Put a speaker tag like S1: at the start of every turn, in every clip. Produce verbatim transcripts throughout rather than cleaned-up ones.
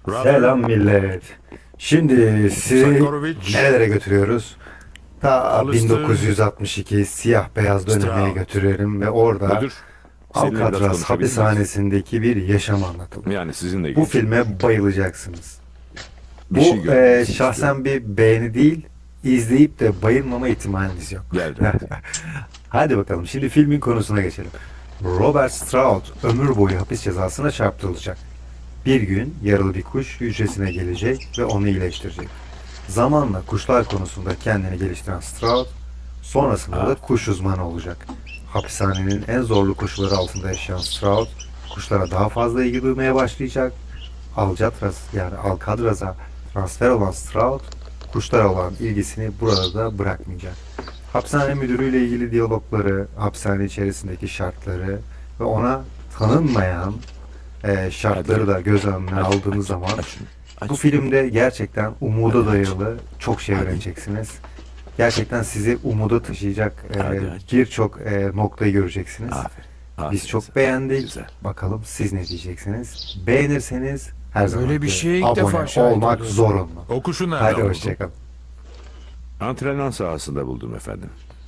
S1: Selam millet. Şimdi sizi
S2: Sakharovich.
S1: nerelere götürüyoruz? Ta
S2: Alistair.
S1: bin dokuz yüz altmış iki siyah beyaz dönemeye
S2: Stroud.
S1: götürelim ve orada
S3: Müdür, seninle biraz
S1: Alcatraz
S3: konuşabilir miyiz?
S1: hapishanesindeki bir yaşam anlatılır.
S3: Yani sizinle
S1: Bu
S3: ilgili.
S1: filme bayılacaksınız.
S3: Bir
S1: Bu
S3: şey
S1: e,
S3: görmenizi istiyorum.
S1: şahsen bir beğeni değil, izleyip de bayılmama ihtimaliniz yok.
S3: Geldi.
S1: Hadi bakalım şimdi filmin konusuna geçelim. Robert Stroud ömür boyu hapis cezasına çarptırılacak. Bir gün yaralı bir kuş hücresine gelecek ve onu iyileştirecek. Zamanla kuşlar konusunda kendini geliştiren Stroud, sonrasında da kuş uzmanı olacak. Hapishanenin en zorlu koşulları altında yaşayan Stroud, kuşlara daha fazla ilgi duymaya başlayacak. Alcatraz yani Alcatraz'a transfer olan Stroud, kuşlara olan ilgisini burada da bırakmayacak. Hapishane müdürüyle ilgili diyalogları, hapishane içerisindeki şartları ve ona tanınmayan e, şartları da göz önüne
S3: Aç,
S1: aldığınız
S3: aç,
S1: zaman
S3: aç şunu, aç
S1: bu
S3: şunu.
S1: filmde gerçekten umuda
S3: Hadi aç.
S1: dayalı çok şey
S3: Hadi.
S1: öğreneceksiniz. Gerçekten sizi umuda taşıyacak e,
S3: Hadi aç.
S1: birçok e, noktayı göreceksiniz.
S3: Aferin. aferin
S1: Biz çok
S3: sana.
S1: beğendik.
S3: Güzel.
S1: Bakalım siz ne diyeceksiniz? Beğenirseniz her zaman
S4: Böyle bir şeye ilk defa
S1: abone
S4: şahit
S1: olmak
S4: oluyorum.
S1: zorunlu.
S2: O kuşu nereden
S1: Hadi
S2: buldun?
S1: hoşçakalın.
S3: Antrenman sahasında buldum efendim.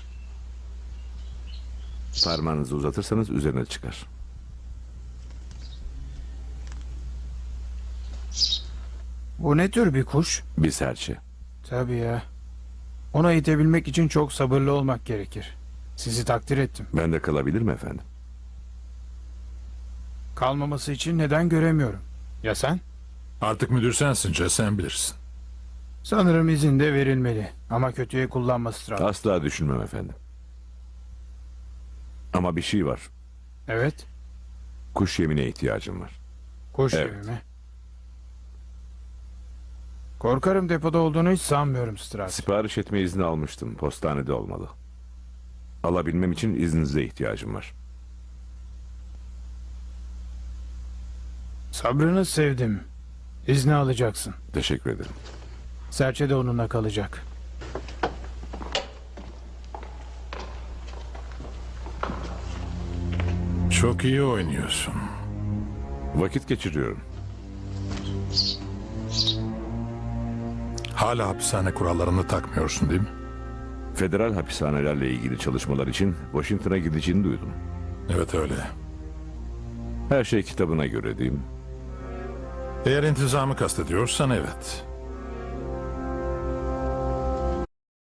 S3: Parmağınızı uzatırsanız üzerine çıkar.
S4: Bu ne tür bir kuş?
S3: Bir serçe.
S4: Tabii ya. Ona itebilmek için çok sabırlı olmak gerekir. Sizi takdir ettim.
S3: Ben de kalabilir mi efendim?
S4: Kalmaması için neden göremiyorum. Ya sen?
S2: Artık müdür sensin, Jess, sen bilirsin.
S4: Sanırım izin de verilmeli. Ama kötüye kullanma Strauss.
S3: Asla düşünmem efendim. Ama bir şey var.
S4: Evet.
S3: Kuş yemine ihtiyacım var.
S4: Kuş
S3: Evet.
S4: yemi mi? Korkarım depoda olduğunu hiç sanmıyorum Strauss.
S3: Sipariş etme izni almıştım. Postanede olmalı. Alabilmem için izninize ihtiyacım var.
S4: Sabrını sevdim. İzni alacaksın.
S3: Teşekkür ederim.
S4: Serçe de onunla kalacak.
S2: Çok iyi oynuyorsun.
S3: Vakit geçiriyorum.
S2: Hala hapishane kurallarını takmıyorsun değil mi?
S3: Federal hapishanelerle ilgili çalışmalar için Washington'a gideceğini duydum.
S2: Evet öyle.
S3: Her şey kitabına göre değil mi?
S2: Eğer intizamı kastediyorsan evet.